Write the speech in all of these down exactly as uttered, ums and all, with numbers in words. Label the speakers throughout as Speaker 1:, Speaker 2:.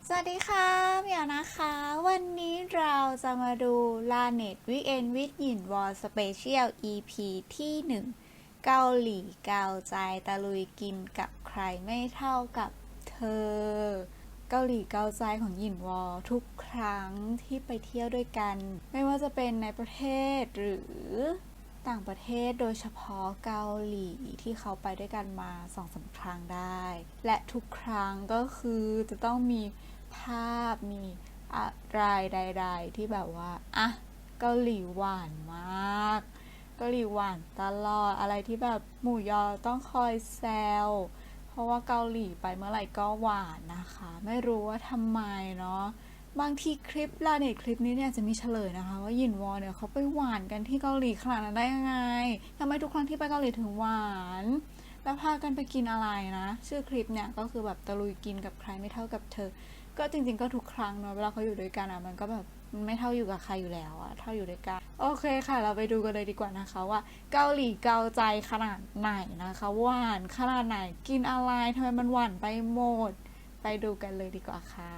Speaker 1: สวัสดีค่ะเหมียวนะคะวันนี้เราจะมาดู Lanet Weekend with หยินวอ Special อี พี ที่หนึ่งเกาหลีเกาใจตะลุยกินกับใครไม่เท่ากับเธอเกาหลีเกาใจของหยินวอทุกครั้งที่ไปเที่ยวด้วยกันไม่ว่าจะเป็นในประเทศหรือต่างประเทศโดยเฉพาะเกาหลีที่เขาไปด้วยกันมาสองสามครั้งได้และทุกครั้งก็คือจะต้องมีภาพมีอะไรใดๆที่แบบว่าอ่ะเกาหลีหวานมากเกาหลีหวานตลอดอะไรที่แบบหมู่ยอต้องคอยแซวเพราะว่าเกาหลีไปเมื่อไหร่ก็หวานนะคะไม่รู้ว่าทำไมเนาะบางทีคลิปลาเน็ตคลิปนี้เนี่ยจะมีเฉลยนะคะว่าหยินวอเนี่ยเขาไปหวานกันที่เกาหลีขนาดนั้นได้ยังไงทำไมทุกครั้งที่ไปเกาหลีถึงหวานแล้วพากันไปกินอะไรนะชื่อคลิปเนี่ยก็คือแบบตะลุยกินกับใครไม่เท่ากับเธอก็จริงๆก็ทุกครั้งเนาะเวลาเขาอยู่ด้วยกันอ่ะมันก็แบบมันไม่เท่าอยู่กับใครอยู่แล้วอะเท่าอยู่ด้วยกันโอเคค่ะเราไปดูกันเลยดีกว่านะคะว่าเกาหลีเกาใจขนาดไหนนะคะหวานขนาดไหนกินอะไรทำไมมันหวานไปหมดไปดูกันเลยดีกว่าค่ะ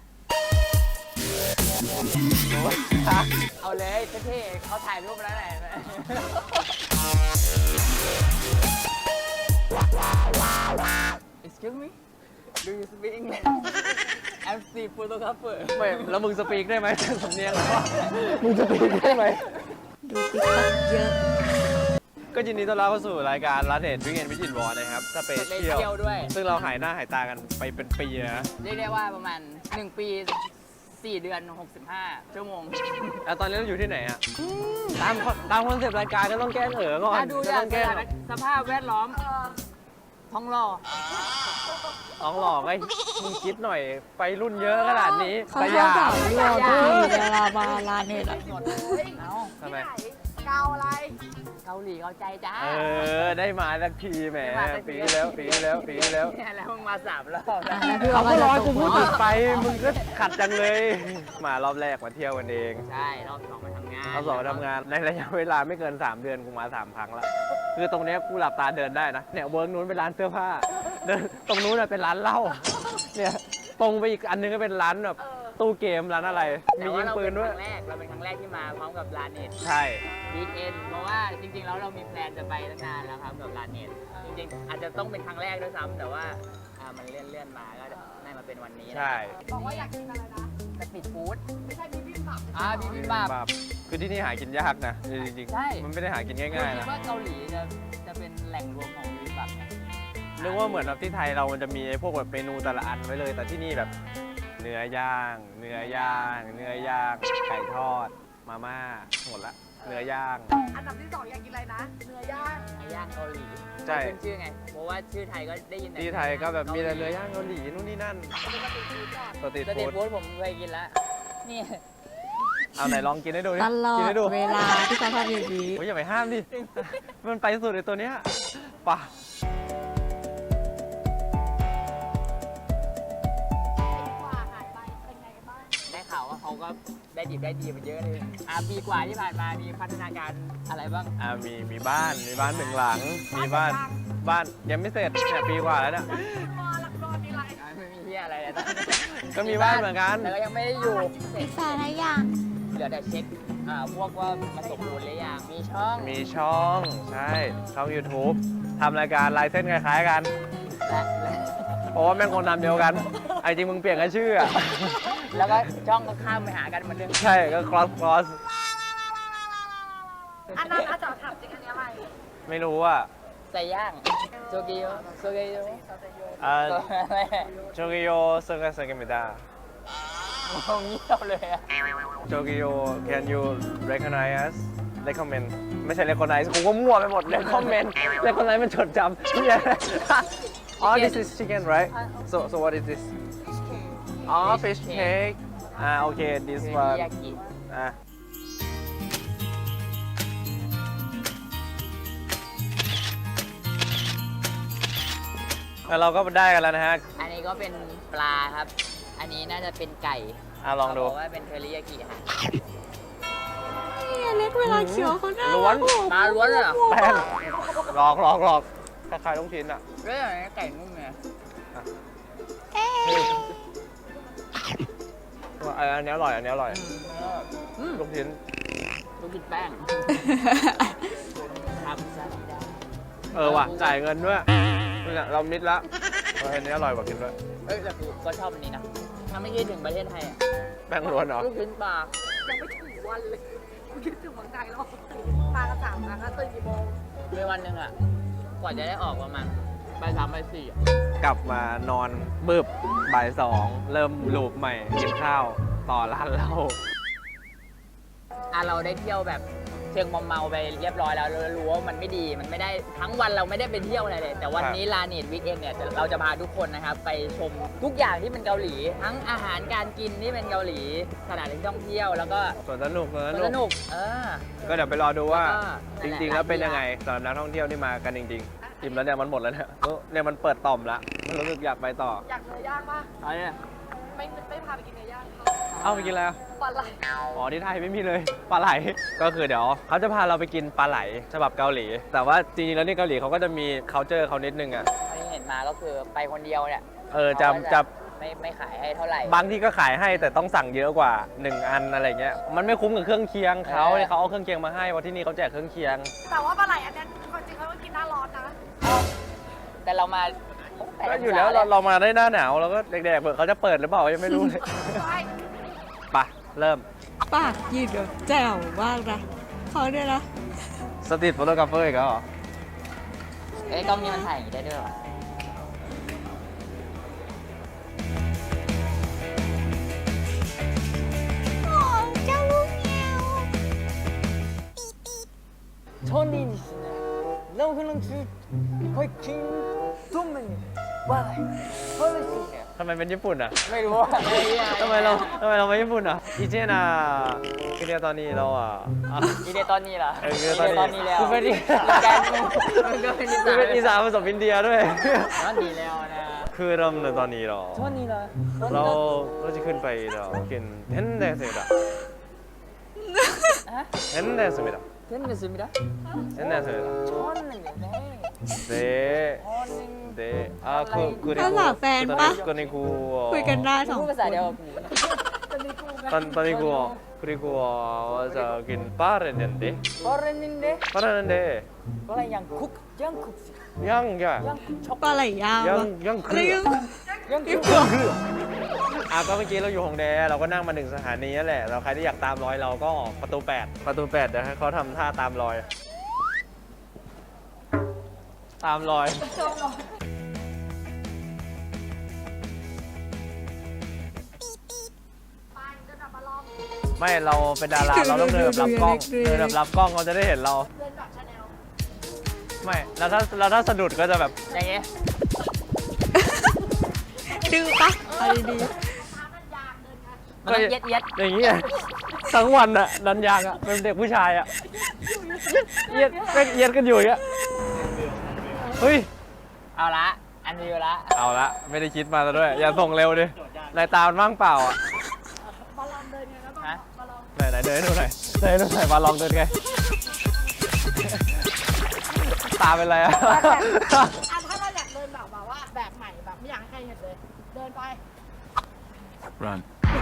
Speaker 2: เอาเลยเท่ๆเขาถ่ายรูปแล้วไหน Excuse me Do you speak English I'm C photographer
Speaker 3: ไม่แล้วมึงสปีกได้ไหมสำเนียงมึงสปีกได้ไหม
Speaker 1: ดูติ๊กต็อกเยอะ
Speaker 3: ก็ยินดีต้อนรับเข้าสู่รายการรัฐเดชวิกเอนวิจิตรวอร์นะครับสเป
Speaker 2: สเป
Speaker 3: เชีย
Speaker 2: เชีย
Speaker 3: ล
Speaker 2: ลด้วย
Speaker 3: ซึ่งเราหายหน้าหายตากันไปเป็นปีนะ
Speaker 2: เรียกได้ว่าประมาณหนึ่งปีสี่เดือนหกสิบห้าชั่วโมง
Speaker 3: แล้วตอนนี้เราอยู่ที่ไหนอ่ะตามตามคอนเซปต์รายการก็ต้องแก้เอ๋อก่อน
Speaker 2: ถ้าดู
Speaker 3: ก็
Speaker 2: จาก
Speaker 3: ต้องแก้
Speaker 2: สภาพแวดล้อมท้องหล่อ
Speaker 3: ต้องหลอกไอ้มึงคิดหน่อยไปรุ่นเยอะขนาดนี้
Speaker 1: เขา
Speaker 3: แต่
Speaker 1: ช
Speaker 3: อ
Speaker 1: อบ
Speaker 3: ย่า
Speaker 1: ถามเราที่เวลามาร้านเนี่ย
Speaker 2: หมดเอา
Speaker 3: ทำไม
Speaker 2: เกาอะไรเกาหลีเกาใจจ้า
Speaker 3: เออได้มาสักทีแหมปีที่แล้วปีที่แล้วปีที่แล้ว
Speaker 2: เนี่ยแล้วมึงมาสามรอบแล้ว
Speaker 3: เขาก็รอกูพูดติดไปมึงก็ขัดจังเลย มารอบแรกมาเที่ยวกันเอง
Speaker 2: ใช่รอบสองมาทำงาน
Speaker 3: รอบสองมาทำงานในระยะเวลาไม่เกินสามเดือนกูมาสามครั้งแล้วคือตรงเนี้ยกูหลับตาเดินได้นะเนี่ยเวิร์กนู้นเป็นร้านเสื้อผ้าเดินตรงนู้นน่ะเป็นร้านเหล้าเนี่ยตรงไปอีกอันนึงก็เป็นร้านแบบตู้เกมร้านอะไรมียิงปืนด้วย
Speaker 2: แต่ว่าเราเป็นครั้งแรกเราเป็นครั้งแรกที่มาพร้อมกับลาเน็ต
Speaker 3: ใช่
Speaker 2: วีคเอนเพราะว่าจริงๆแล้วเรามีแพลนจะไปตั้งนานแล้วครับกับลาเน็ตจริงๆอาจจะต้องเป็นครั้งแรกด้วยซ้ำแต่ว่าอ่ามันเลื่อนเลื่อนๆมาก็ได้มาเป็นวันนี้นะ
Speaker 3: ใช่
Speaker 2: บอกว่าอยากกินอะไรนะสตรีทฟู้ดไม่ใช่บิบิมบับอ่าบิบิมบับ
Speaker 3: แบบคือที่นี่หากินยากนะจริง
Speaker 2: ใช่
Speaker 3: ๆมันไม่ได้หากินง่ายๆ
Speaker 2: คิ
Speaker 3: นะ
Speaker 2: ดว่าเกาหลีจะจะเป็นแหล่งรวมของบิบิมบับไหม
Speaker 3: นึกว่าเหมือนแบบที่ไทยเรามันจะมีไอ้พวกแบบเมนูแต่ละอันไว้เลย แต่ที่นี่แบบเนื้อย่าง เนื้อย่าง เนื้อย่างไก่ทอดมาม่าหมดละเนื้อย่าง
Speaker 4: อันดับที่สองอยากกินอะไรนะ เนื้อย่าง
Speaker 2: เนื้อย่างเกาหลี
Speaker 3: ใช่
Speaker 2: ขึ้นชื่อไงเพราะว่าชื่อไทยก็ได้ยินแต่
Speaker 3: ที่ไทยก็แบบมีแต่เนื้อย่างเกาหลีนู่นนี่นั่นสตรีท
Speaker 2: สตรีท
Speaker 3: ฟู้ด
Speaker 2: ฟู้ดผมเคยกินแล้วนี่
Speaker 3: เอาไหนลองกินให้ดูดิ
Speaker 1: ตลอ
Speaker 3: กิน
Speaker 1: ด
Speaker 3: ให้ดู
Speaker 1: เวลาที่เขาทำอย่างนี้
Speaker 3: โอ้ยอย่าไปห้ามดิ มันไปสุดเลยตัวเนี้ยป่ะ
Speaker 4: กว่าหายไปเป็นไงกันบ้าง
Speaker 2: ได้ข่าวว่าเขาก็ได้ดีได้ดีมันเยอะเลยอ่ะปีกว่าที่ผ่านมามีพัฒนาการอะไรบ้าง
Speaker 3: อ่ามีมีบ้านมีบ้านหนึ่งหลัง มีบ้านบ้านยังไม่เสร็จเนี่ยปีกว่าแล้วเนี่ย
Speaker 4: มอลักโดนมีอะไร
Speaker 2: อ่ะไม่มีที่อะไรเลยตอนนี้
Speaker 3: ก็มีบ้านเหมือนกัน
Speaker 2: แต่ก็ยังไม่ได้อยู่เสร็จ
Speaker 1: แฟนอะไรยัง
Speaker 2: เหลือแต่เช็คอ่าพวกว่ามันสมบูรณ์หรือยังมีช่อง
Speaker 3: มีช่องใช่ช่อง YouTube ทำรายการลายเส้นคล้ายๆกัน
Speaker 2: และและ
Speaker 3: เพราะว่าแม่งคนนำเดียวกันไอ้จริงมึงเปลี่ยนกันชื่ออะ
Speaker 2: แล้วก็ช่องก็ข้ามไปหากันเหมือนเดิม
Speaker 3: ใช่ก็ cross cross
Speaker 4: อันนั้นอาจจะถามจริงอันนี้อะไร
Speaker 3: ไม่รู้อ่ะ
Speaker 2: ใส่ย่างโซกิโยโซกิโย
Speaker 3: อ่า
Speaker 2: อะไร
Speaker 3: โจกิโยเซอร์กันเซอร์กันไม่ได้
Speaker 2: งงเงียบเลยอะ
Speaker 3: โจกิโย can you recognize us recommend ไม่ใช่ recognize กูก็มั่วไปหมด recommend recognize มันจดจำเนี่ย อ๋อ this is chicken right so so what is this อ๋อ fish cake อ่าโอเค this
Speaker 2: คือ
Speaker 3: one
Speaker 2: ยากิ
Speaker 3: อ่ะแล้วเราก็ได้กันแล้วนะฮะ
Speaker 2: อันนี้ก็เป็นปลาครับ อันนี้น่าจะเป็นไก่
Speaker 3: อ่ะลองดู
Speaker 2: เขาบอกว่าเป็นเทริยากิค่ะ
Speaker 1: เนี่ยเล็กเวลาเคี้ยวเขาหน้า
Speaker 3: ล้วน
Speaker 2: ปลาล้วนเลยเหรอ
Speaker 3: แป้งหลอกหลอกหลอกคล้ายๆลูกชิ้นอ่ะ
Speaker 2: เรื่องอะไรไก่นุ่มเนี่ย
Speaker 1: เอ๊ะ
Speaker 3: อันนี้อร่อยอันนี้อร่อย
Speaker 2: อืม
Speaker 3: ลูกชิ้น
Speaker 2: ลูกกินแป้งครับซาซิดา
Speaker 3: เออว่ะจ่ายเงินด้วยเนี่ยเรามิดละเอออันนี้อร่อยกว่ากินด้วย
Speaker 2: เอ้ยแต่กูก็ชอบอันนี้นะถ้าไม่คิดถึงประเทศไทยอะ
Speaker 3: แป้งล้วนเหรอ
Speaker 2: ลูกชิ้นปลา
Speaker 4: ยังไม่ถึงวันเลยกูคิดถึงเมืองไทยแล้วปลากระสังนะคะตื่นกี่โมง
Speaker 2: ในวันหนึ่งอ่ะ กว่าจะได้ออกประมาณบ่ายสามบ่ายสี่อะ
Speaker 3: กลับมานอนบึบบ่ายสองเริ่มลูปใหม่กินข้าวต่อร้านเหล้า
Speaker 2: อ่ะเราได้เที่ยวแบบเชิงมอมเมาไปเรียบร้อยแล้วเรารู้ว่ามันไม่ดีมันไม่ได้ทั้งวันเราไม่ได้ไปเที่ยวอะไรเลย แต่วันนี้ลาเนตวีคเอนเนี่ยจะเราจะพาทุกคนนะครับไปชมทุกอย่างที่เป็นเกาหลี ทั้งอาหารการกินที่เป็นเกาหลีสถานที่ท่องเที่ยวแล้วก็
Speaker 3: ส่วนสนุกส่วน
Speaker 2: ส
Speaker 3: สนุก
Speaker 2: นุกเออ
Speaker 3: ก็เดี๋ยวไปรอดูว่า
Speaker 2: แล้วก็
Speaker 3: จริงๆ แล้วเป็นยังไงสำหรับนักท่องเที่ยวที่มากันจริงๆอิ่มแล้วเนี่ยมันหมดแล้วเนี่ยเออเนี่ยมันเปิดต่อมละมันรู้สึกอยากไปต่อ
Speaker 4: อยากเนื้อย่างปะ
Speaker 2: เอาเนี่ย
Speaker 4: ไม่ไม่พาไปกินเนื้อย่างเขา
Speaker 3: เอาไปกินแล้ว
Speaker 4: ปลาไหล
Speaker 3: อ๋อที่ไทยไม่มีเลยปลาไหลก็คือเดี๋ยวเขาจะพาเราไปกินปลาไหลฉบับเกาหลี แต่ว่าจริงๆแล้วนี่เกาหลีเขาก็จะมี culture เขานิดนึงอ่ะ
Speaker 2: ที่เห็นมาก็คือไปคนเดียวเนี่ย
Speaker 3: เออจะ
Speaker 2: เขาก็
Speaker 3: จะ
Speaker 2: ไม่ไม่ขายให้เท่าไหร่
Speaker 3: บางที่ก็ขายให้แต่ต้องสั่งเยอะกว่าหนึ่งอันอะไรเงี้ยมันไม่คุ้มกับเครื่องเคียงเขา
Speaker 2: เออ
Speaker 3: เนี่ยเขาเอาเครื่องเคียงมาให้เพราะที่นี่เขาแจกเครื่องเคียง
Speaker 4: แต่ว่าปลาไหลอันเนี้ยความจริงเขาก็กินหน้าร้อนนะ
Speaker 2: แต่เรามาแปด
Speaker 3: ก็อยู่แล้ว
Speaker 2: งศ
Speaker 3: เราเรามาได้หน้าหนาวเราก็เด็กๆเปิดเขาจะเปิดหรือเปล่ายังไม่รู้เลย
Speaker 4: ใช่
Speaker 3: ไปเริ่ม
Speaker 1: ปากยืดแบบแจ๋วมากนะเขาเนี่ยนะ
Speaker 3: สตรีทโฟโตกราฟเฟอร์อีกแล้วเหรอ
Speaker 2: เอ้ยกล้องนี้มันถ่ายอย่างนี้ได้ด้วยเหรอ
Speaker 1: โอ้เจ้าลูกแมว
Speaker 2: ชนดินเรากำลังจะไปกินตุ้มมันว่าอะไรเพราะอะไรสิเนี่ย
Speaker 3: ทำไมเป็นญี่ปุ่นอ่ะ
Speaker 2: ไม่รู้ว่า
Speaker 3: ทำไมเราทำไมเราไม่ญี่ปุ่นอ่ะอีเจน่ะคือเดียวตอนนี้เราอ่ะอ่ะ
Speaker 2: อีเดตอนนี้เหรอ
Speaker 3: เอออีเดตอนนี้
Speaker 2: ตอนนี้แล้ว
Speaker 3: กูเป็นอี
Speaker 2: แกนมันก็เป็นอี
Speaker 3: คือ
Speaker 2: สาน
Speaker 3: เป็นอีสานผสมอินเดียด้วย
Speaker 2: ตอนนี้แล้วนะ
Speaker 3: คือเริ่มในตอนนี้เหรอ
Speaker 2: ตอนนี้เหรอ
Speaker 3: เราเราจะขึ้นไปเรากินเทนเดสเมดะ
Speaker 2: ฮะ
Speaker 3: เทนเดสเมดะ
Speaker 2: เช่นกันสิมิดะ
Speaker 3: เทนเดสเมดะ
Speaker 2: ชอนหนึ่งเด้
Speaker 3: เด
Speaker 2: ชอนหนึ่ง
Speaker 3: 네, 아, 그, 그리고
Speaker 1: 아, 팬 봐?
Speaker 3: 그리고
Speaker 1: คุยกันได้สอง
Speaker 2: พูด
Speaker 1: ค
Speaker 2: ภาษาเดียวน กับกู
Speaker 3: 단, 그리고 그리고 저긴 빠르는데
Speaker 2: เพราะเรนนึงเด้
Speaker 3: 빠르는데
Speaker 2: ก็อะไรยังคุกยังคุก
Speaker 3: 양야
Speaker 2: ยังคุกช็อก
Speaker 1: ปลาไหลยาวอะ
Speaker 3: 양, 양
Speaker 1: อะไร
Speaker 3: 그
Speaker 1: ยัง
Speaker 2: ยัง
Speaker 1: นี่
Speaker 2: คุก
Speaker 1: เผือก
Speaker 3: อ่ะก็เมื่อกี้เราอยู่ฮงแดเราก็นั่งมาหนึ่งสถานีนั่นแหละเราใครที่อยากตามรอยเราก็ออกประตูแปดประตูแปดเดี๋ยวให้เขาทำท่าตามรอย ตามรอย
Speaker 4: ไปเดินแบบมาลอง
Speaker 3: ไม่เราเป็นดาราเราต้องเดินแบบรับกล้องเดินแบบรับกล้องเขาจะได้เห็นเรา
Speaker 4: เดินแบบชาแนล
Speaker 3: ไม่แล้วถ้าแล้วถ้าสะดุดก็จะแบบ
Speaker 2: อย่างเงี้ย
Speaker 1: ดื้อปะเอาดี
Speaker 4: น้ำมันยางเดินไง
Speaker 2: มันต้องเย็ดเย็ด
Speaker 3: อย่างนี้ไงทั้งวันอะนันยางอะเป็นเด็กผู้ชายอะเย็ดเย็ดเย็ดกันอยู่อย่างเงี้ยเฮ้ย
Speaker 2: เอาละอันนี้ละ
Speaker 3: เอาละไม่ได้คิดมาซะด้วย อย่าส่งเร็วดินายตามันว่างเปล่าอ่ะ
Speaker 4: มาลองเดินไงแล้วก็
Speaker 2: ฮะ
Speaker 4: มาลอง
Speaker 3: ไหนไหนเดินให้ดูหน่อยเดินให้ดูหน่อยมาลองเดินไง ตาเป็นไรอ่ะ
Speaker 4: อ่ะถ้าเราอยากเดินแบบแบบว่าแบบใหม่แบบไม่อยากให้ใครเห็นเลย เดินไป
Speaker 3: run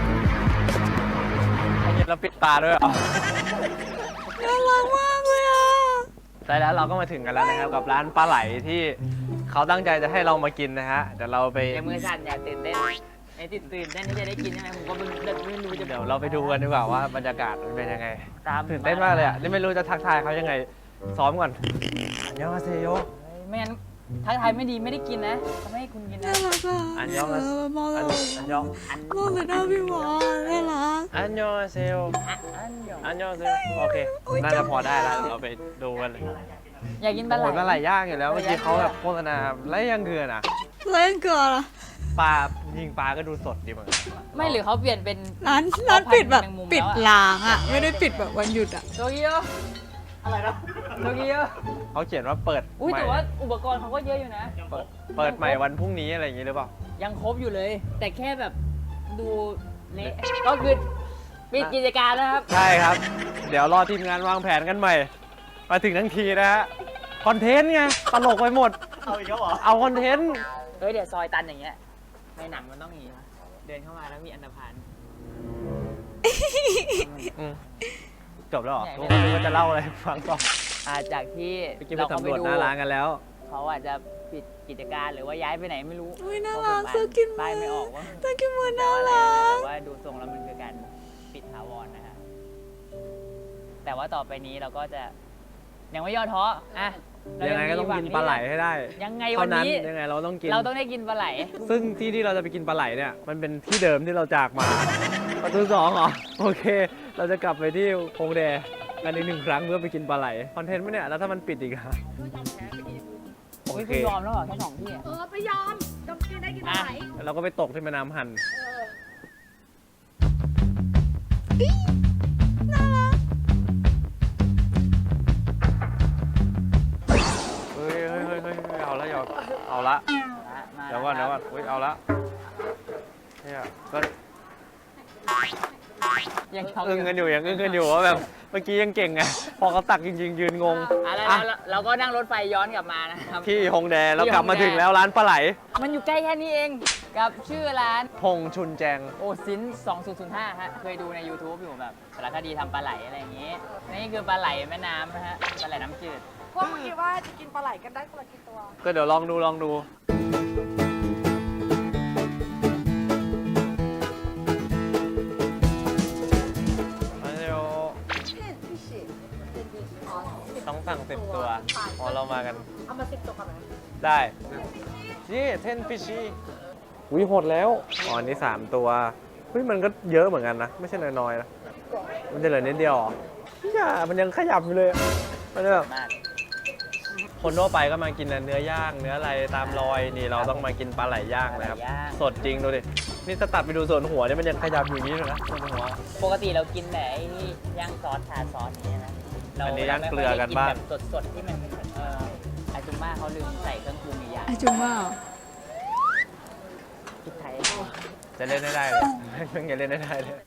Speaker 3: เราปิดตาด้วยเหรอ
Speaker 1: ๆน่ารักมากเลยอ่ะ
Speaker 3: แต่แล้วเราก็มาถึงกันแล้วนะครับกับร้านปลาไหลที่เขาตั้งใจจะให้เรามากินนะฮะเดี๋ยวเราไป
Speaker 2: เดี๋ยวมือสั่นอยากตื่นเต้นไอ้ตื่นตื่นเต้นที่จะได้กินใช่ไหมผมก็ไม่ไม่รู้จะ
Speaker 3: เดี๋ยวเราไปดูกันดีกว่าว่าบรรยากาศมันเป็นยังไง
Speaker 2: ตาม
Speaker 3: ตื่นเต้นมากเลยอ่ะนี่ไม่รู้จะทักทายเขายังไงซ้อมก่อนอันยองอาเซโย
Speaker 2: ไม่งั้นทักทายไม่ดีไม่ได้กินนะเขาไม่ให้คุณกินนะ
Speaker 1: น่ารักอ่ะ
Speaker 3: อันยอง
Speaker 1: เอ
Speaker 3: อา
Speaker 1: อมอง
Speaker 3: อั
Speaker 1: แล้
Speaker 3: น
Speaker 1: ว
Speaker 3: อันยอง
Speaker 1: มองเลยหน้าพี่หมอน่ารัก
Speaker 3: อันยองอาเซโย
Speaker 2: อ่ะอันยอง
Speaker 3: อันยองอาเซโยโอเคน่าจะพอได้แล้วเราไปดูกันเลย
Speaker 2: อยากกินปลาไหล
Speaker 3: โอ้ยปลาไหลย่างอยู่แล้วเมื่อกี้เขาแบบโฆษณาไรยังเกลือน่ะ
Speaker 1: เล่นเกลือละ
Speaker 3: ปลายิงปลาก็ดูสดดีเหมือนกัน
Speaker 2: ไม่หรือเขาเปลี่ยนเป็น
Speaker 1: ร้านร้านปิดแบบ
Speaker 2: แมงมุมแล้วอะ
Speaker 1: ปิดล้างอ่ะ ไม่ได้ปิดแบบวันหยุดอ่ะ
Speaker 2: โตเกียวอะไรนะโตเกียว
Speaker 3: เขาเขียนว่าเปิด
Speaker 2: อุ้ย
Speaker 3: ใหม่
Speaker 2: แต่ว่าอุปกรณ์เขาก็เยอะอยู่นะ
Speaker 3: เปิดเปิดใหม่วันพรุ่งนี้อะไรอย่างงี้หรือเปล่า
Speaker 2: ยังครบอยู่เลย แต่แค่แบบดูเละก็คือปิดกิจการนะครับ
Speaker 3: ใช่ครับ เดี๋ยวรอทีมงานวางแผนกันใหม่ มาถึงทั้งทีนะฮะคอนเทนต์ไงตลกไปหมด เอาอีกแล้วเหรอเอาคอนเทนต์
Speaker 2: เฮ้ยเดี๋ยวซอยตันอย่างเงี้ยในหนังมันต้องอย่างงี้นะเดินเข้ามาแล้วมีอันธพาล
Speaker 3: อืมจบแล้วเหรอทุกคนก็จะเล่าอะไรให้ฟังต่อ
Speaker 2: อ่าจากที่
Speaker 3: ไปกินไปสำรวจหน้าร้านกันแล้ว
Speaker 2: เขาอาจจะปิดกิจการหรือว่าย้ายไปไหนไม่รู้
Speaker 1: อุ๊ยน่า
Speaker 2: เพ
Speaker 1: รัก
Speaker 2: ผม
Speaker 1: ซื้อกิน
Speaker 2: ป้ายไม่ออกว่า
Speaker 1: ตากินมือ
Speaker 2: แปล
Speaker 1: น่า
Speaker 2: ว่าอะไร
Speaker 1: รั
Speaker 2: นะ
Speaker 1: ก
Speaker 2: แต่ว่าดูทรงแล้วมันคือการปิดถาวรนะฮะแต่ว่าต่อไปนี้เราก็จะยังไม่ย่อท้ออ่ะเรา
Speaker 3: ยังไงก็ต้อง
Speaker 2: มีหวั
Speaker 3: กินปลาไหลให้ได้
Speaker 2: ยังไง
Speaker 3: เท่า
Speaker 2: วัน
Speaker 3: นั้น
Speaker 2: นี้
Speaker 3: ยังไงเราต้องกิน
Speaker 2: เราต้องได้กินปลาไหล
Speaker 3: ซึ่งที่ที่เราจะไปกินปลาไหลเนี่ยมันเป็นที่เดิมที่เราจากมา ประตูสองเหรอโอเค เราจะกลับไปที่โฮงแดกันอีกหนึ่งครั้งเพื่อไปกินปลาไหลคอนเทนต์ไหมเนี่ยแล้วถ้ามันปิดอีกอะโอ
Speaker 2: เฮ้ย
Speaker 3: เค
Speaker 2: คุณยอมแล้วเหรอแค่สองที่อะ
Speaker 4: เออไปยอมจำกินได้กินอะไร
Speaker 3: เราก็ไปตกที่แม่น้ำหัน เฮ้ยเฮ้ยเฮ้ยเฮ้ยเฮ้ยเอาละเอาเอาละ
Speaker 2: มา
Speaker 3: เดี๋ยวก่อนเดี๋ยวก่อนเฮ้ยเอาละเนี่ยก็
Speaker 2: ยังช็อก
Speaker 3: อึ้งกันอยู่ยังอึ้งกันอยู่ว่าแบบเมื่อกี้ยังเก่งไงพอเขาตักจริงๆ ยืนงง
Speaker 2: อ่ะแล้ว
Speaker 3: อ่ะ
Speaker 2: แล้วเราก็นั่งรถไฟย้อนกลับมานะครับ
Speaker 3: ที่ฮงแดเรา
Speaker 2: ที่
Speaker 3: กลับมา
Speaker 2: ฮงแด
Speaker 3: ถึงแล้วร้านปลาไหล
Speaker 2: มันอยู่ใกล้แค่นี้เองกับชื่อร้าน
Speaker 3: พงชุนแจง
Speaker 2: โอซินสองศูนย์ศูนย์ห้าฮะ เคยดูใน YouTube อยู่แบบสารคดีทำปลาไหลอะไรอย่างงี้ นี่คือปลาไหลแม่น้ำนะฮะ ปลาไหลน้ำจืด
Speaker 4: พวกเมื่อกี้ว่าจะกินปลาไหลกันได้คนละกี่ตัว
Speaker 3: ก็เดี๋ยวลองดูลองดูมาเร็วต้องสั่งสิบตัวพอเรามากัน
Speaker 4: เอามาสิบตัวกันไหม
Speaker 3: ได้นี่เทนฟิชีอุ้ยหดแล้วอ๋ออันนี้สามตัวเฮ้ยมันก็เยอะเหมือนกันนะ ไม่ใช่น้อยๆนะ มันจะเหลือนิดเดียวเหรออย่ามันยังขยับอยู่เลยอะมันจะแบบ
Speaker 2: มาก
Speaker 3: คนทั่วไปก็มากินเนื้อย่าง เนื้ออะไรตามรอย นี่เราต้องมากินปลาไหลย่างนะครับ
Speaker 2: ปลาไหลย่าง
Speaker 3: สดจริงดูดิ นี่ถ้าตัดไปดูส่วนหัวเนี่ยมันยังขยับอยู่อย่างนี้เลยนะส่วนหัว
Speaker 2: ปกติเรากินแต่ไอ้ที่ย่างซอสทาซอสอย่างเงี้ยนะเรา
Speaker 3: อันนี้ย่าง
Speaker 2: ไม่
Speaker 3: เก
Speaker 2: ค่
Speaker 3: ลื
Speaker 2: อย
Speaker 3: อ
Speaker 2: ได้
Speaker 3: กัน
Speaker 2: กิน
Speaker 3: บ้าง
Speaker 2: แบบสดๆที่มันเอ่ออาจุม่าเขาลืมใส่เครื่องปรุงอีกอย่าง
Speaker 1: อาจุม่าเหรอ
Speaker 2: พริกไทย
Speaker 3: จะเล่นได้ได้เลย ยังจะเล่นได้ได้เลย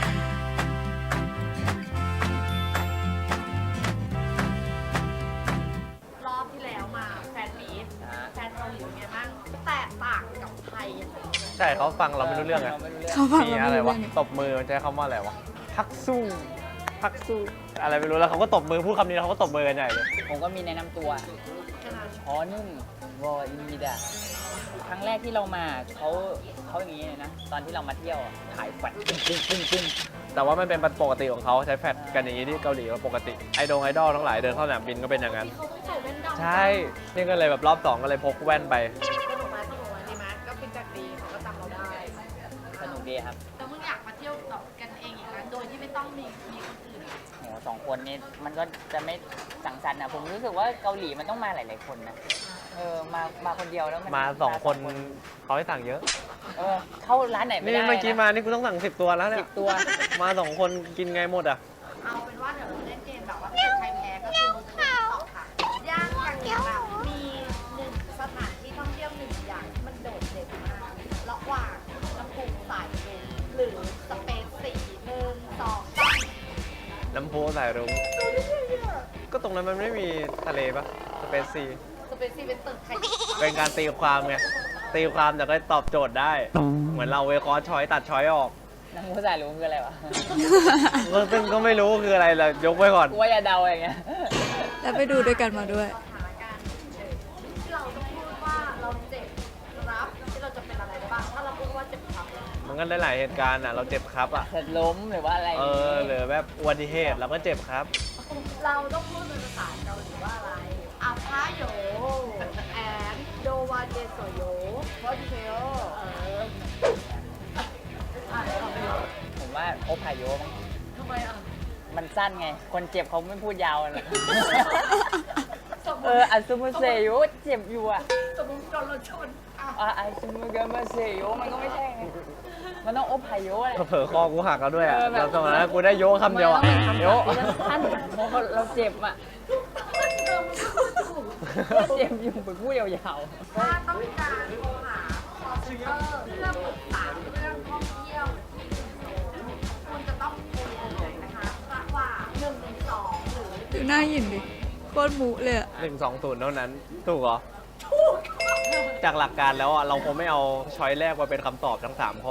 Speaker 4: รอบที่แล้วมาแฟนมีต
Speaker 2: อ่า
Speaker 4: แฟนเกาหลีเป็นไงบ้างแตกต่างกับไทยยังไง
Speaker 3: ใช่เขาฟังเราไม่รู้เรื่องไง
Speaker 2: เราไม่รู้เรื่อง
Speaker 1: เขาฟัง
Speaker 3: มี
Speaker 1: เรา
Speaker 3: อะไร
Speaker 1: ไม่รู้
Speaker 3: วะ
Speaker 1: เรื่อง
Speaker 3: ตบมือมันใช้คำว่าอะไรวะ พักสู้ พักสู้ อะไรไม่รู้แล้วเขาก็ตบมือพูดคำนี้แล้วเขาก็ตบมือกันใหญ่เลย
Speaker 2: ผมก็มีแนะนำตัวช้อนึ่งวออินดีดาครั้งแรกที่เรามาเขาเขาอย่างนี้เลยนะ ตอนที่เรามาเที่ยวอะถ่ายแฟลชปึ้งปึ้งปึ้งปึ้ง
Speaker 3: แต่ว่ามันเป็นปกติของเขาใช้แฟลชกันอย่างนี้ที่เกาหลีก็ปกติ ไอดงไอดอลทั้งหลายเดินเข้าสนามบินก็เป็นอย่างนั้น
Speaker 4: เขาต้องใส่แว่นดำ
Speaker 3: ใช่ นี่ก็เลยแบบรอบสองก็เลยพกแว่นไป
Speaker 4: ก็หนูมาที่หนูมานี่มั้ยก็เป็นจากดีเขาก็จำเราได้
Speaker 2: สนุกดีครับ
Speaker 4: แล้วมึงอยากมาเที่ยวต่อกันเองอีกนะโดยที่ไม่ต้องมีมีคนอื่นอะ
Speaker 2: โหสองคนนี้มันก็จะไม่สังสรรค์นะผมรู้สึกว่าเกาหลีมันต้องมาหลาย ๆ คนนะ เออ มา มาคนเดียวแล้วมัน
Speaker 3: มาสองคนเขาให้สั่งเยอะ
Speaker 2: เออ เข้าร้านไหนไม่
Speaker 3: นี่
Speaker 2: ได้
Speaker 3: เมื่อกี้
Speaker 2: นะ
Speaker 3: มานี่กูต้องสั่งสิบตัวแล้วเนี่
Speaker 2: สิ
Speaker 3: ย
Speaker 2: บตัว
Speaker 3: มาสองคนกินไงหมดอ่ะ
Speaker 4: เอาเป็นว่าเดี๋ยวเราเล่นเกมแบบว่าถ้าเกิดใครแพ้ก็คือมึงตอบค่ะย่างอย่างเงี้ยแบบมีหนึ่งสถานที่ท่องเที่ยวหนึ่งอย่างที่มันโดดเด่นมากระหว่างลำพูนสายลุงหรือสเปซสี่หนึ่งสองสาม
Speaker 3: น้ำพุสายรุ้งก็ตรงนั้นมันไม่มีทะเลปะสเปซซี
Speaker 4: สเปซสี่เป็นตึกไทย
Speaker 3: เป็นการตีความไง ตีความแต่ก็ตอบโจทย์ได้ เหมือนเราเวคอร์ช้อยตัดช้อยออก
Speaker 2: นังผู้ชายรู้คืออะไรวะ
Speaker 3: ก็ซึ่งก็ไม่รู้คืออะไรเลยยกไว้ก่อน
Speaker 2: กูว่าอย่าเดาอย่างเงี้ย
Speaker 1: แล้วไปดูด้วยกันมาด้วย
Speaker 4: สถานการณ์เฉยๆที่เราต้องพูดว่าเราเจ็บครับที่เราจะเป็นอะไรได้บ้างถ้าเราพูดว่าเจ็บครับ
Speaker 3: มันก็ได้หลายเหตุการณ์อ่ะ เราเจ็บครับอ่ะ
Speaker 2: เสร็จล้มหรือว่าอะไร
Speaker 3: เออหรือแบบอุบัติเหตุเราก็เจ็บครับ
Speaker 4: เราต้องพูดเป็นภาษาเกาหลีว่าอะไรอาพาโยแอนโดวาเจโซโยว่าดิเซลเอออ่ะเดี๋ยวเราไปดู
Speaker 2: ผมว่าโอพายโยมั้ง
Speaker 4: ทำไมอ่ะ
Speaker 2: มันสั้นไง คนเจ็บเขาไม่พูดยาวเลย
Speaker 4: สมม
Speaker 2: เอ
Speaker 4: ติ
Speaker 2: ออัสมุเซโยเจ็บอยู่อ่ะ
Speaker 4: สมมติโดนรถชนอ่ะ
Speaker 2: อ่ะอัสมุเกมาเซโยมันก็ไม่ใช่ไง มันต้องโอพายโยแหละ
Speaker 3: เผลอคอกูหักแล้วด้วยอ่ะ
Speaker 2: เออแบบ
Speaker 3: แล้วตรงนั้นกูได้โยกคำเดียวอ่ะ
Speaker 2: มัน
Speaker 3: โย
Speaker 2: ต้องเป็นคำสั้นๆเพราะเราเจ็บอ่ะ
Speaker 4: เออมันก็พูดถูก
Speaker 2: เจ็บอยู่ไปพูดยาว
Speaker 4: ถ้าต้องการโทรหา call center เพื่อปรึกษาเรื่องท่องเที่ยวที่คุณจะต้องโทรนะคะระหว่างหนึ่งหนึ่งสองหรือ
Speaker 1: ดูหน้าหยินดิ โคตรมุเลยอะ
Speaker 3: หนึ่งสองศูนย์เท่านั้น ถูกเหรอ จากหลักการแล้วอ่ะเราคงไม่เอาช้อยแรกมาเป็นคำตอบทั้งสามข้อ
Speaker 2: ๆ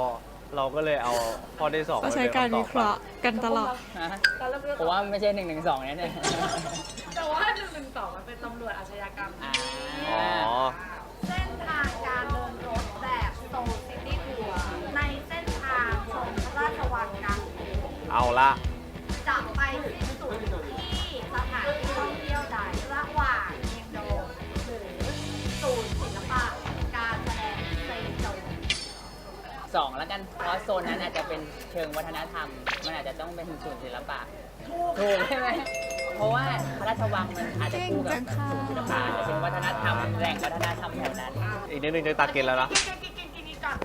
Speaker 3: เราก็เลยเอาข้อที่สอง
Speaker 1: ก็ใช้การวิเคราะห์กันตลอด
Speaker 2: ฮะ
Speaker 4: แต่เราเลือก
Speaker 2: ผมว่าไม่ใช่หนึ่งหนึ่งสองเนี่ย
Speaker 4: แต่ว่าหนึ่งหนึ่งสองมันเป็นตำรวจอาชญากรรม
Speaker 2: อ่า
Speaker 3: อ๋อ
Speaker 4: เส้นทางการเดินรถแบบโซลซิตี้ทัวร์ในเส้นทางชมพระราชวังกลางกรุง
Speaker 3: เอาละ
Speaker 4: จะไปสิ้นสุดที่สถานที่ท่องเที่ยวใดระหว่างเมียงโดงหรือศูนย์ศิลปะการแสดงเซโจ
Speaker 2: สองแล้วกัน เพราะโซนนั้นอาจจะเป็นเชิงวัฒนธรรม มันอาจจะต้องเป็นศูนย์ศิลปะ ถูกใช่ไหม เพราะว่าพระราชวังมันอาจจะคู่กับศูนย์ศิลปะอาจจะเป็นวัฒนธรรมแหล่งวัฒนธรรมแถวนั้น
Speaker 3: อีกนิดนึงจะตาเกณฑ์แล้วนะ
Speaker 4: กินกินกินกินกินก่อน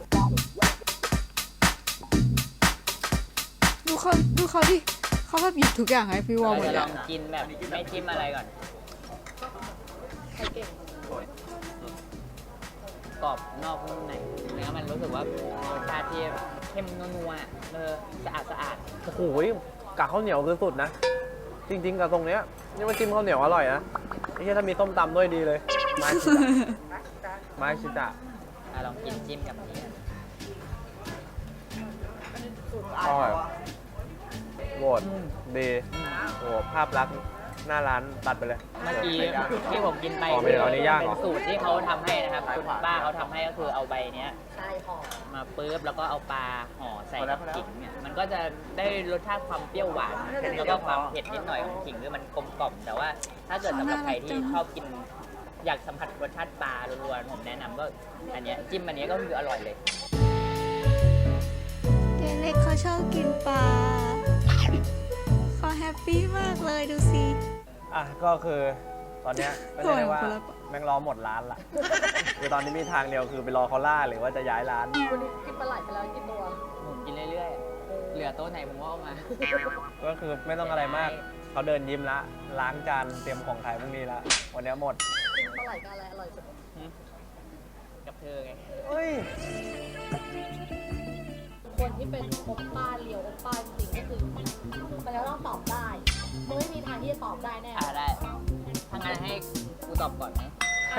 Speaker 1: ดูเขาดูเขาดิเขาแบบหยิบทุกอย่างให้พี่วอล
Speaker 2: เรา
Speaker 1: หมด
Speaker 2: จะ
Speaker 1: เล
Speaker 2: ลอย งกินแบบไม่จิ้มอะไรก่อน
Speaker 4: ใครเก่ง
Speaker 2: กรอบนอกนุ่มในเนื้อมันรู้สึกว่ารสชาติที่เข้มนัวๆเออสะอาดสะอาด
Speaker 3: โอ้โหกากข้าวเหนียวคือสุดนะ จริง ๆกับตรงเนี้ยนี่มันจิ้มข้าวเหนียวอร่อยนะไอ้เหี้ยถ้ามีส้มตำด้วยดีเลย มาชิตะมาชิตะ
Speaker 2: อ่ะลองกินจิ้มกับอันนี้
Speaker 3: อร่อยโหวตดีโอ้โหภาพลักษณ์หน้าร้านตัดไปเลย
Speaker 2: เมื่อกี้ที่ผมกินไป
Speaker 3: อ๋อไม่ได้เอาอันนี้ย่างเหรอ
Speaker 2: เป็นสูตรที่เขาทำให้นะครับคุณป้าเขาทำให้ก็คือเอาใบเนี้ย
Speaker 4: ใช่หอม
Speaker 2: มาปุ๊บแล้วก็เอาปลาห่อใส่กับขิงเนี่ยมันก็จะได้รสชาติความเปรี้ยวหวานแล้วก็ความเผ็ดนิดหน่อยของขิงคือมันกลมกล่อมแต่ว่าถ้าเกิดสำหรับใครที่ชอบกินอยากสัมผัสรสชาติปลาล้วนๆผมแนะนำก็อันเนี้ยจิ้มอันเนี้ยก็คืออร่อยเลย
Speaker 1: เด็กเล็กเขาชอบกินปลาเขาแฮปปี้มากเลยดูสิ
Speaker 3: อ่ะก็คือตอนเนี้ยก็จะได้ว่า
Speaker 1: โอ้ยคนละ
Speaker 3: แม่งรอหมดร้านละ คือตอนนี้มีทางเดียวคือไปรอเขาล่าหรือว่าจะย้ายร้าน
Speaker 4: วันนี้กินปลาไหลไปแล้วกินตัว
Speaker 2: ผมกินเรื่อยๆ เหลือโต๊ะไหนผมก็เอามา
Speaker 3: ก็คือไม่ต้องอะไรมากเขาเดินยิ้มละล้างจานเตรียมของขายพรุ่งนี้ละวันนี้หมด
Speaker 4: กินปลาไหลกับอะไรอร่อยสุด
Speaker 2: กับเธอไง
Speaker 3: เฮ้ย
Speaker 4: คนที่เป็นโอปป้าเลียวโอปป้าจริงๆก็คือมันจะต้องตอบได้มึงไม่มีทางที่จะตอบได้แน่
Speaker 2: อ่าได้ถ้างั้นให้กูตอบก่อนไหม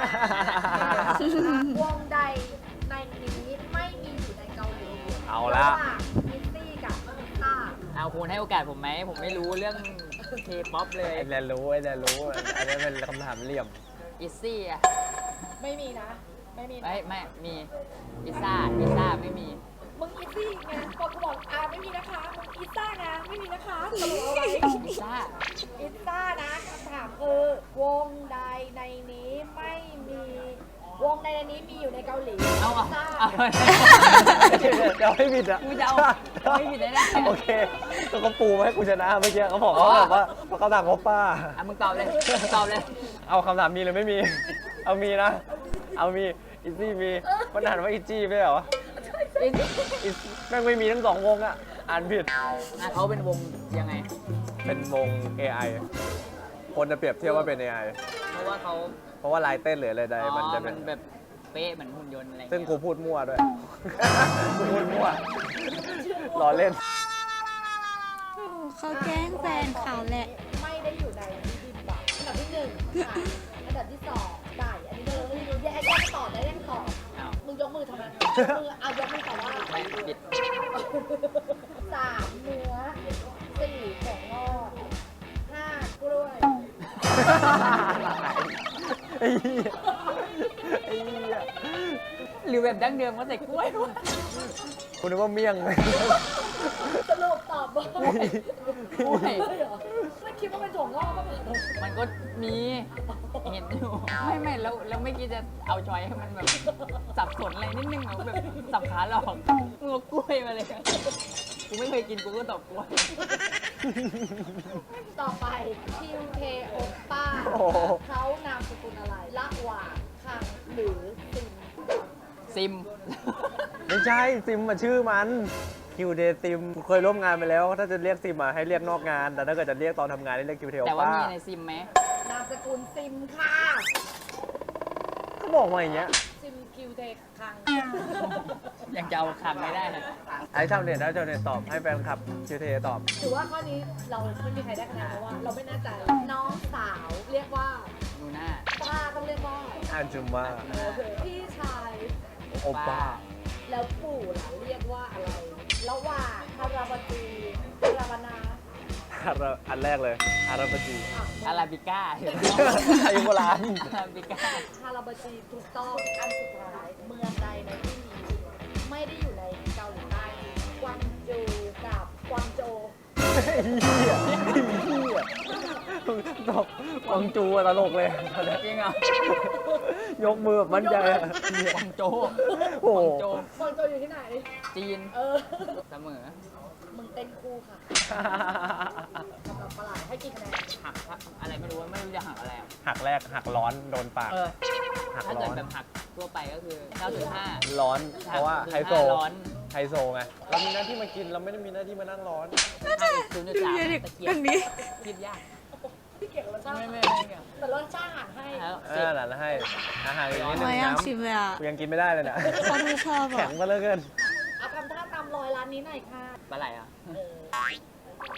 Speaker 4: วงใดในนี้ไม่มีอยู่ในเกาหลี
Speaker 3: เอาละ
Speaker 4: ระหว่างมิตตี้กับมิตต้า
Speaker 2: เอาคุณให้โอกาสผมไหม ผมไม่รู้เรื่องเคป๊อปเลย
Speaker 3: ไอ้แนนรู้ไอ้แนนรู้ อันนี้เป็นคำถามเหลี่ยม
Speaker 2: อิซซี่อะ
Speaker 4: ไม่มีนะ ไม่มีนะ
Speaker 2: ไม่ไม่มีพิซซ่าพิซซ่าไม่มี
Speaker 4: มึงอีซี่ไงพอกูบอกอ่าไม่มีนะคะมึงอีซ่านะไม่มีนะคะสรุปเอาไว้
Speaker 2: พิซซ่า
Speaker 4: อีซ่านะคำถามคือ วงใดในนี้ไม่มี วงใดในนี้มีอยู่ในเกาหลี
Speaker 2: เอาเอา
Speaker 4: ซ่า
Speaker 2: เอา
Speaker 3: เดี๋ยวให้ผิดอ่ะ
Speaker 2: กูจะเอาไม่ผิดได้ไง
Speaker 3: โอเคแล้วเขาปูมาให้กูชนะเมื่อกี้เขาบอกว่าแบบว่าเขาถามเขาป้า
Speaker 2: อ่ะมึงตอบเลยมึงตอบเลย
Speaker 3: เอาคำถามมีหรือไม่มี เอามีนะ เอามีอีซี่มีมันอ่านว่าอีจี้ไม่ใช่เหรออีแม่งไม่มีทั้งสองวงอ่ะ อ่านผิด
Speaker 2: อ่ะเขาเป็นวงยังไง
Speaker 3: เป็นวง เอ ไอ คนจะเปรียบเทียบว่าเป็น เอ ไอ
Speaker 2: เพราะว่าเขา
Speaker 3: เพราะว่าลายเต้นหรืออะไรใด
Speaker 2: อ๋อ
Speaker 3: มันจะ
Speaker 2: มั
Speaker 3: เป็น
Speaker 2: นแบบเป๊ะเหมือนหุ่นยนต์อะไรเงี้ย
Speaker 3: ซึ่งกูพูดมั่วด้วย กูพูดมั่วล้อเล่น
Speaker 1: โอ้เขาแกล้งแฟนเขาแหละ
Speaker 4: ไม่ได้อยู่ในบิบิมบับอันดับที่หนึ่งค่ะอันดับที่สองไก่อันนี้ก็เลยไม่รู้แยกแยกตอบได้แยกตอบ
Speaker 2: เอา
Speaker 4: มึงยกมือทำไมมือเอายกมือตอบว่า
Speaker 2: ไม่ผิด
Speaker 4: สามเนื้อสี่ของงอกห้ากล้วย
Speaker 3: ไอ้เหี้ยไอ้เหี้ย
Speaker 2: หรือแบบดั้งเดิมก็ใส่กล้วยด้วย
Speaker 3: คุณนึกว่าเมี่ยง
Speaker 4: สรุปตอบว่าก
Speaker 2: ล้วย
Speaker 4: เหรอไม่คิดว่าเป็นถั่วงอกก็เป็น
Speaker 2: มันก็มีเห็นอยู่ไม่ไม่แล้วแล้วไม่คิดจะเอาชอยให้มันแบบสับสนอะไรนิดนึงเหรอแบบสับขาหลอกมึงเอากล้วยมาเลยกูไม่เคยกินกูก็ตอบกล้วย
Speaker 4: ต่อไปคิวเคโอป้า
Speaker 3: โอ้โห
Speaker 4: เขานามสกุลอะไรละหว่างคังหรือซิม
Speaker 2: ซิม
Speaker 3: ไม่ใช่ซิมมาชื่อมันคิวเดซิมเคยร่วมงานไปแล้ว ถ้าจะเรียกซิมมาให้เรียกนอกงาน แต่ถ้าเกิดจะเรียกตอนทำงานให้เรียกคิวเทล
Speaker 2: แต่ว่า
Speaker 3: ป้า
Speaker 2: มีในซิมไหม
Speaker 4: นามสกุลซิมค่ะ
Speaker 3: เขาบอกมาอย่างเงี้ย
Speaker 4: ซิมคิวเทคัง
Speaker 2: ยังจะเอาคำไม่ได้เลย
Speaker 3: ไอ้ชาวเน็ตนะชาวเน็ตตอบให้แฟนคลับคิวเทตอบ
Speaker 4: ถือว่าข้อนี้เราไม่มีใครได้คะแนนเพราะว่าเราไม่แน่ใจน้องสาวเรียกว่า
Speaker 2: ดูหน้า
Speaker 4: ป้าต้องเรียกว่า
Speaker 3: อาจุมว่า
Speaker 4: พี่ชาย
Speaker 3: โอป้า
Speaker 4: แล้วปู่ล่ะเรียกว่าอะไรระหว่างฮาราบาจีฮาราบานา
Speaker 3: อันแรกเลยอาราบจี
Speaker 4: อ่ะ
Speaker 2: อาราบิก้า
Speaker 3: ไทยโบราณ
Speaker 2: อาราบิก้า
Speaker 4: ฮาราบาจีถูกต้องอันสุดท้ายเมืองใดในที่นี้ไม่ได้อยู่ในเกาหลีใต้กวางโจวกับกวางโจว
Speaker 3: ตบกวางจูอะตลกเลย
Speaker 2: จริงเหรอย
Speaker 3: กมือแบบมั่นใจอะ
Speaker 2: กวางโจว
Speaker 3: โอ้
Speaker 2: ก
Speaker 3: โห
Speaker 2: วางโจว
Speaker 4: กวางโจวอยู่ที่ไหน
Speaker 2: จีน
Speaker 4: เออ
Speaker 2: เสมอ
Speaker 4: มึงเต้นคู่ค่ะสำหรับประหลาดให้กี่คะแนน
Speaker 2: หักอะไรไม่รู้ไม่รู้จะหักอะไรอะ
Speaker 3: หักแรกหักร้อนโดนปาก
Speaker 2: เออ
Speaker 3: หัก
Speaker 2: ถ้า
Speaker 3: ร้
Speaker 2: เกิ
Speaker 3: อ
Speaker 2: ด
Speaker 3: น
Speaker 2: แบบหักทั่วไปก็คือ เก้าจุดห้า
Speaker 3: ร้อน เพราะว่าไฮโซ
Speaker 2: ร้อน
Speaker 3: ไฮโซไง เรามีหน้าที่มากิน เราไม่ได้มีหน้าที่มานั่งร้อน
Speaker 2: ห้าอีกศูนย์จุดสามตะเกียบคิดยาก
Speaker 4: พี่เกี่ยวกับรสชาติ
Speaker 2: ไม่ไม่ไม่เกี่ยว
Speaker 4: แต่รสชาติอาหารให้
Speaker 2: แล้ว
Speaker 3: เอ
Speaker 2: สิบ
Speaker 3: อหลานให้ อาหารอย่างนี้หนึ่
Speaker 1: ไม่
Speaker 3: ง
Speaker 1: อยาก
Speaker 3: น้
Speaker 1: ชิมเลยอ่ะ
Speaker 3: ำกูยังกินไม่ได้เลยเนี่ย
Speaker 1: เขาไม่ชอบ
Speaker 3: แข็
Speaker 1: อ่ะ
Speaker 3: งมาเหลยเกิน
Speaker 4: เอาทำท่าตามรอยร้านนี้หน่อยค่ะ
Speaker 2: ปลาไหลอ่ะ
Speaker 4: เออ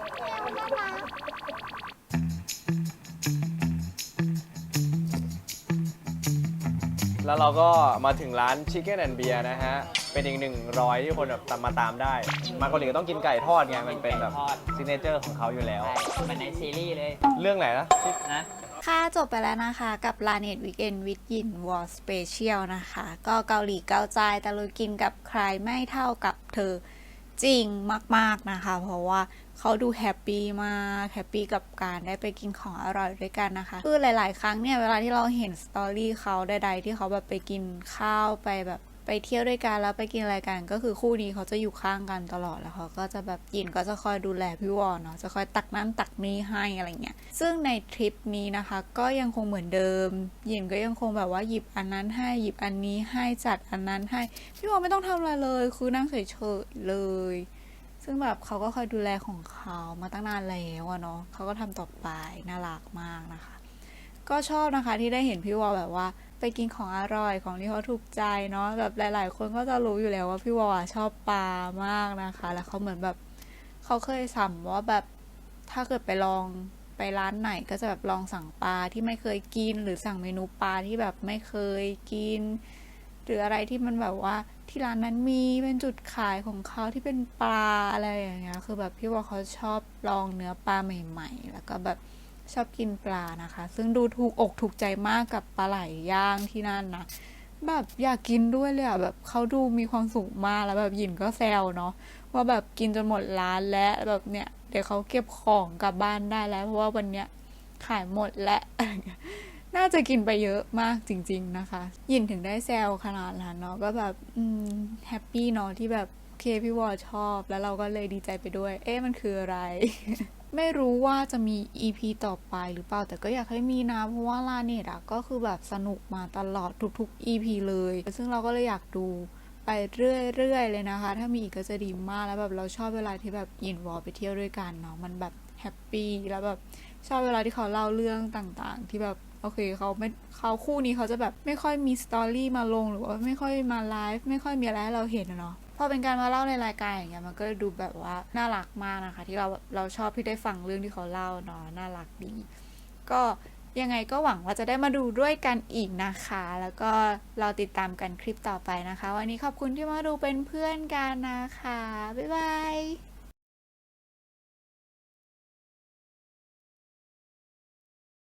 Speaker 3: แล้วเราก็มาถึงร้าน Chicken and Beer นะฮะ เป็นอีกหนึ่งรอยที่คนแบบตามมาตามได้ มาเกาหลีก็ต้องกินไก่ทอดไง มันเป็นแบบซิกเนเจอร์ของเขาอยู่แล้ว
Speaker 2: ใช่มันในซีรีส์เลย
Speaker 3: เรื่องไหนนะ
Speaker 2: นะ
Speaker 1: ค่ะจบไปแล้วนะคะกับ ลาเน็ต Weekend with Yin War Special นะคะ ก็เกาหลีเกาใจตะลุยกินกับใครไม่เท่ากับเธอจริงมากๆนะคะ เพราะว่าเขาดูแฮปปี้มากแฮปปี้กับการได้ไปกินของอร่อยด้วยกันนะคะคือหลาย ๆ ครั้งเนี่ยเวลาที่เราเห็นสตอรี่เขาใดๆที่เขาแบบไปกินข้าวไปแบบไปเที่ยวด้วยกันแล้วไปกินอะไรกันก็คือคู่นี้เขาจะอยู่ข้างกันตลอดแล้วเขาก็จะแบบยินก็จะคอยดูแลพี่วอนเนาะจะคอยตักนั่นตักนี่ให้อะไรเงี้ยซึ่งในทริปนี้นะคะก็ยังคงเหมือนเดิมยินก็ยังคงแบบว่าหยิบอันนั้นให้หยิบอันนี้ให้จัดอันนั้นให้พี่วอนไม่ต้องทำอะไรเลยคือนั่งเฉยๆเลยซึ่งแบบเขาก็คอยดูแลของเขามาตั้งนานแล้วอะเนาะเขาก็ทำต่อไปน่ารักมากนะคะ ก็ชอบนะคะที่ได้เห็นพี่วอลแบบว่าไปกินของอร่อยของที่เขาถูกใจเนาะแบบหลาย ๆ คนก็จะรู้อยู่แล้วว่าพี่วอลอะชอบปลามากนะคะ แล้วเขาเหมือนแบบเขาเคยสั่งว่าแบบถ้าเกิดไปลองไปร้านไหนก็จะแบบลองสั่งปลาที่ไม่เคยกินหรือสั่งเมนูปลาที่แบบไม่เคยกิน หรืออะไรที่มันแบบว่าที่ร้านนั้นมีเป็นจุดขายของเขาที่เป็นปลาอะไรอย่างเงี้ยคือแบบพี่วอลเขาชอบลองเนื้อปลาใหม่ ๆ แล้วก็แบบชอบกินปลานะคะ ซึ่งดูถูกอกถูกใจมากกับปลาไหลย่างที่นั่นนะแบบอยากกินด้วยเลยอ่ะแบบเขาดูมีความสุขมากแล้วแบบหยินก็แซวเนาะว่าแบบกินจนหมดร้านแล้วแบบเนี้ยเดี๋ยวเขาเก็บของกลับบ้านได้แล้วเพราะว่าวันเนี้ยขายหมดแล้ว น่าจะกินไปเยอะมากจริงๆนะคะยินถึงได้แซวขนาดนั้นเนาะก็แบบอืมแฮปปี้เนาะที่แบบเคพี่วอชอบแล้วเราก็เลยดีใจไปด้วย เอ๊ะมันคืออะไร ไม่รู้ว่าจะมี อี พี ต่อไปหรือเปล่าแต่ก็อยากให้มีนะเพราะว่าลาเน็ตอะก็คือแบบสนุกมาตลอดทุกๆ อี พี เลยซึ่งเราก็เลยอยากดูไปเรื่อยๆเลยนะคะถ้ามีอีกก็จะดีมากแล้วแบบเราชอบเวลาที่แบบยินวอลไปเที่ยวด้วยกันเนาะมันแบบแฮปปี้แล้วแบบชอบเวลาที่เขาเล่าเรื่องต่างๆที่แบบโอเคเขาไม่เขาคู่นี้เขาจะแบบไม่ค่อยมีสตอรี่มาลงหรือว่าไม่ค่อยมาไลฟ์ไม่ค่อยมีอะไรให้เราเห็นอะเนาะพอเป็นการมาเล่าในรายการอย่างเงี้ยมันก็ดูแบบว่าน่ารักมากนะคะที่เราเราชอบที่ได้ฟังเรื่องที่เขาเล่าเนาะน่ารักดีก็ยังไงก็หวังว่าจะได้มาดูด้วยกันอีกนะคะแล้วก็เราติดตามกันคลิปต่อไปนะคะวันนี้ขอบคุณที่มาดูเป็นเพื่อนกันนะคะบ๊ายบาย